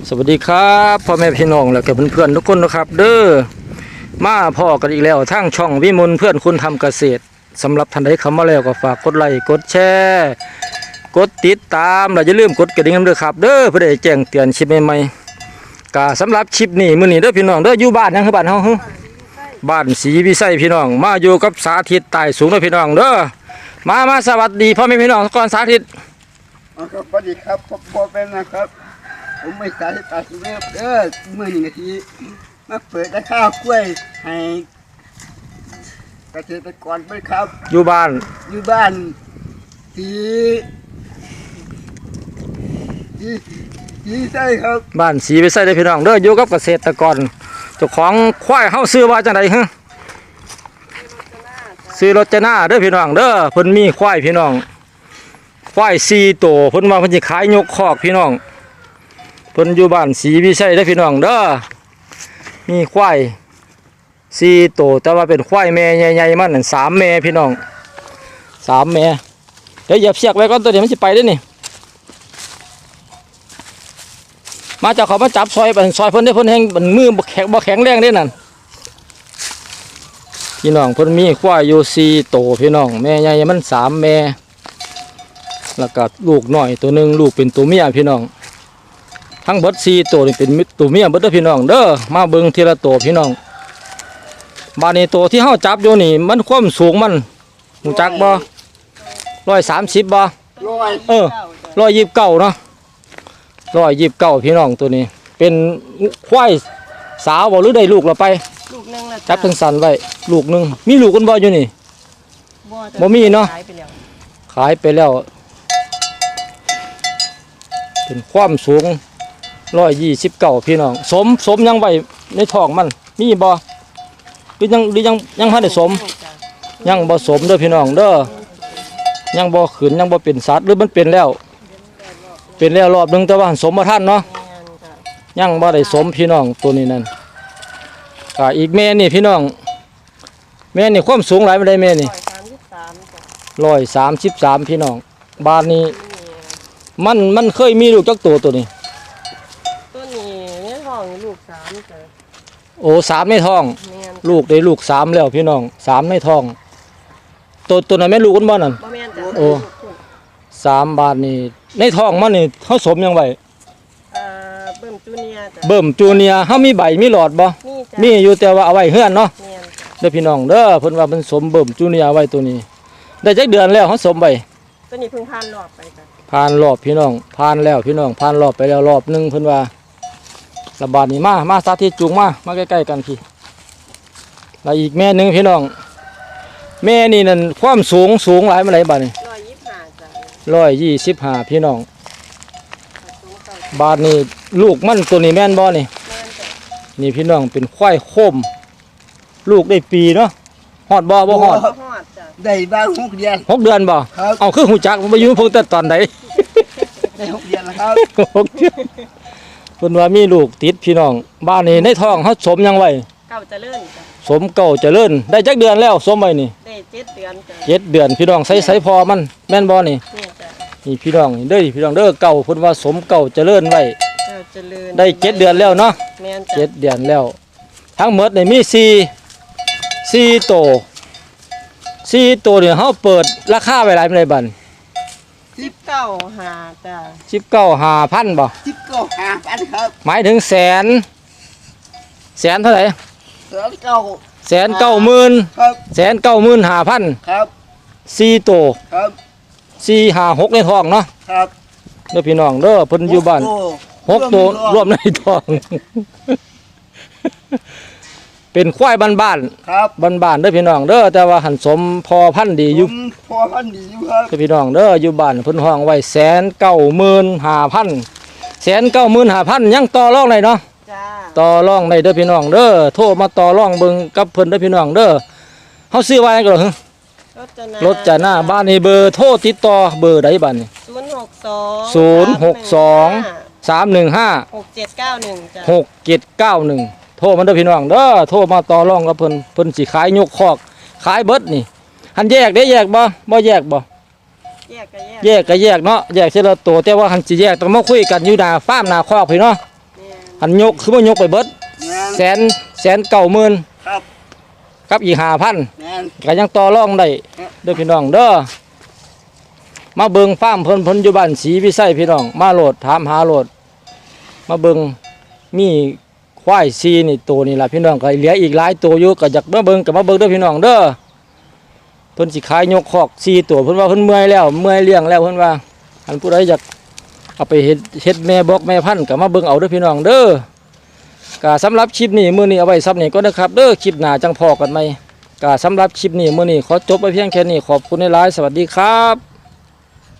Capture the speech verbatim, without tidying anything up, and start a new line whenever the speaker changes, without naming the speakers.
สวัสดีครับพ่อแม่พี่น้องและกับเพื่อนๆทุกคนนะครับเด้อมาพ่อกันอีกแล้วทั้งช่องวิมลเพื่อนคุณทำเกษตรสำหรับท่านใดเข้ามาแล้วก็ฝากกดไลค์กดแชร์กดติดตามและอย่าลืมกดกระดิ่งด้วยครับเด้อเพื่อได้แจ้งเตือนคลิปใหม่ๆก็สำหรับคลิปนี้มื้อนี้เด้อพี่น้องเด้ออยู่บ้านยังคือบ้านเฮาบ้านศรีวิไสพี่น้องมาอยู่กับสาธิตใต้สูงเด้อพี่น้องเด้อมามาสวัสดีพ่อแม่พี่น้องก่อนสาธิต
สวัสดีครับพ่อเป็นนะครับผมไม่สายตาสุเรศเด้อเมื่อหนึ่งนาทีมาเปิดข้าวกล้วยให้เกษตรกรไปครับ
อยู่บ้าน
อยู่บ้านสีสีสีใช่ครับ
บ้านศรีวิไสเด้อพี่น้องเด้ออยู่กับเกษตรกรเจ้าของควายเฮาซื้อว่าจังได๋ฮะซื้อรถจนาเด้อพี่น้องเด้อเพิ่นมีควายพี่น้องควายสี่ตัวเพิ่นว่าเพิ่นสิขายยกคอกพี่น้องเพิ่นอยู่บ้านศรีวิไสเด้อพี่น้องเด้อมีควายสี่ตัวแต่ว่าเป็นควายแม่ใหญ่ๆมันนั่นสามแม่พี่น้องสามแม่เดี๋ยวเหยียบเชือกไว้ก่อนตัวนี้มันสิไปเด้อนี่มาจากเขามาจับซอยไปซอยเพิ่นได้เพิ่นแห้งมันมือบ่แข็งบ่แข็งแรงเด้นั่นพี่น้องเพิ่นมีควายอยู่สี่ตัวพี่น้องแม่ใหญ่มันสามแม่แล้วก็ลูกน้อยตัวหนึ่งลูกเป็นตัวเมียพี่น้องทั้งเบิดสี่ตัวนี่เป็นตัวเมียเบิดเด้อพี่น้องเด้อมาเบิ่งทีละตัวพี่น้องบ้านนี้ตัวที่เฮาจับอยู่นี่มันความสูงมันหูจักบ่ร้อยสามสิบบ่เออร้อยยี่สิบเก้าเนาะร้อยยี่สิบเก้าพี่น้องตัวนี้เป็นควายสาวบ่หรือได้ลูกเราไป
ลูกนึงละ
จับทั้งสันไว้ลูกนึงมีลูกกันบ่อยู่นี่บ่มีเนาะขายไปแล้วเป็นความสูงร้อยยี่สิบเก้าพี่น้องสมสมยังไว้ในท้องมันมีบ่หรือยังหรือยังยังพันได้สมยังบ่สมเด้อพี่น้องเด้อยังบ่ขืนยังบ่เป็นสัตว์หรือมันเป็นแล้วเป็นแล้วรอบนึงแต่ว่าสมบ่ทันเนาะยังบ่ได้สมพี่น้องตัวนี้นั่นก็อีกแม่นี่พี่น้องแม่นี่ความสูงหลายปานใดแม่นี่ร้อยสามสิบสามพี่น้องบ้านนี้มันมันเคยมีลูกจักตัวตัวนี้
ตัวนี้ในท้องลูกสามจ้ะ
โอ้สามในท้องลูกได้ลูกสามแล้วพี่น้องสามในท้องตัวตัวนั้นแม่ลูกกันบ่นั่นโอ้สามบาทนี่ในท้องมันนี่เขาสมยังไง
เบิ่มจูเนียจ้ะ
เบิ่มจูเนียเขามีใบมีหลอดบ่มีอยู่แต่ว่าเอาไว้เฮือนเนาะเด้อพี่น้องเด้อเพิ่นว่าเพิ่นสมเบิ่มจูเนียไว้ตัวนี้ได้จักเดือนแล้วเขาสมไว้
ตัวนี้เพิ่งผ่านรอบไปจ้ะ
ผ่านรอบพี่น้องผ่านแล้วพี่น้องผ่านรอบไปแล้วรอบนึงเพิ่นว่าระบาดนี้มามาสาธิตจูงมามาใกล้ๆกันพี่แล้วอีกแม่นึงพี่น้องแม่นี่นั่นความสูงสูงหลายมาไหนบาดนี้
ร้อยยี่สิบห้าจ้ะ
ร้อยยี่สิบห้าพี่น้องบาดนี้ลูกมันตัวนี้แม่นบ่นี่นี่พี่น้องเป็นควายโคมลูกได้ปีเนาะฮอดบ่บ่ฮอด
ได้บ้างหกเดือน
หกเดือนบ่เอาคือหูจักผมไปอยู่เพิ่งแต่ตอนไหน
ได้หกเดือนแล้วครับ
หกเดือนเพิ่นว่ามีลูกติดพี่น้องบ้านนี้ในท้องเขาสมยังไว้
เก่าเจริญจ้ะ
สมเก่าเจริญได้จักเดือนแล้วสมไว้นี่
ได้เจ็ดเดือนจ้ะ
เจ็ดเดือนพี่น้องใส่ใส่พอมันแม่นบ่นี่
นี่จ้ะ
นี่พี่น้องเด้อพี่น้องเด้อเก่าเพิ่นว่าสมเก่าเจริญไว้
เจ้าเจริญ
ได้เจ็ดเดือนแล้วเนาะ
แม่นจ้ะ
เจ็ดเดือนแล้วทั้งหมดนี่มีสี่สี่โตสี่ตัวเนี่ยเขาเปิดราคาไว้หลายเป็นไรบัน
สิบเก้าหาจ้ะ
สิบเก้าหาพันบ่
สิบเก้าหาพันครับ
หมายถึงแสนแสนเท่าไหร่
แสนเก้า
แสนเก้าหมื่น
ครับ
แสนเก้าหมื่นหาพัน
ครับ
สี่ตัว
ครับ
สี่หาหกในท้องเนาะ
ครับ
เด้อพี่น้องเด้อเพิ่นอยู่บ้านหกตัวรวมในท้องเป็นควายบ้าน
ๆครับ
บ้านๆเด้อพี่น้องเด้อแต่ว่าหันสมพอพันธุ์ดีอยู่
พอพันธุ์ดีอยู่ครับ
เด้อพี่น้องเด้ออยู่บ้านเพิ่นห้องไว้แสนเก้าหมื่นห้าพันแสนเก้าหมื่นห้าพันยังต่อรองได้เนาะ
จ้า
ต่อรองได้เด้อพี่น้องเด้อโทรมาต่อรองเบิ่งกับเพิ่นเด้อพี่น้องเด้อเฮาซื้อไว้ก็เหรอรถจะหน้าบ้านนี่เบอร์โทรติดต่อเบอร์ใดบัดนี่
ศูนย์หกสอง
ศูนย์หกสองสามหนึ่งห้า
หกเจ็ดเก้าหนึ่งจ้ะ
หกเจ็ดเก้าหนึ่งโทรมาเด้อพี่น้องเด้อโทรมาต่อรองกับเพิ่นเพิ่นสิขายยกคอกขายเบิดนี่หันแยกได้แยกบ่บ่แยกบ่
แยกก็แยก
แยกก็แยกเนาะแยกเสียละตัวแต่ว่าหันสิแยกต้องมาคุยกันอยู่หน้าฟาร์มหน้าคอกพี่เนาะ
แ
อันยกคือว่ายกไปเบิด
แม่น
แสนแสนเก้าหมื่น
ครับ
กับอีกห้าพัน
แม่น
ก็ยังต่อรองได้เด้อพี่น้องเด้อมาเบิ่งฟาร์มเพิ่นเพิ่นอยู่บ้านศรีวิไสพี่น้องมาโหลดถามหาโหลดมาเบิ่งมีควายซีนี่ตัวนี่ล่ะพี่น้องก็เหลืออีกหลายตัวอยู่ก็อยากมาเบิ่งก็มาเบิ่งเด้อพี่น้องเด้อเพิ่นสิขายยกคอกสี่ตัวเพิ่นว่าเพิ่นเมื่อยแล้วเมื่อยเลี้ยงแล้วเพิ่นว่าอันผู้ใดอยากเอาไปเฮ็ดเฮ็ดแม่บอกแม่พันธุ์ก็มาเบิ่งเอาเด้อพี่น้องเด้อก็สำหรับคลิปนี้มื้อนี้เอาไว้ซ้ำนี้ก็นะครับเด้อคลิปหน้าจังพอกันใหม่ก็สำหรับคลิปนี้มื้อนี้ขอจบไปเพียงแค่นี้ขอบคุณหลายๆสวัสดีครับ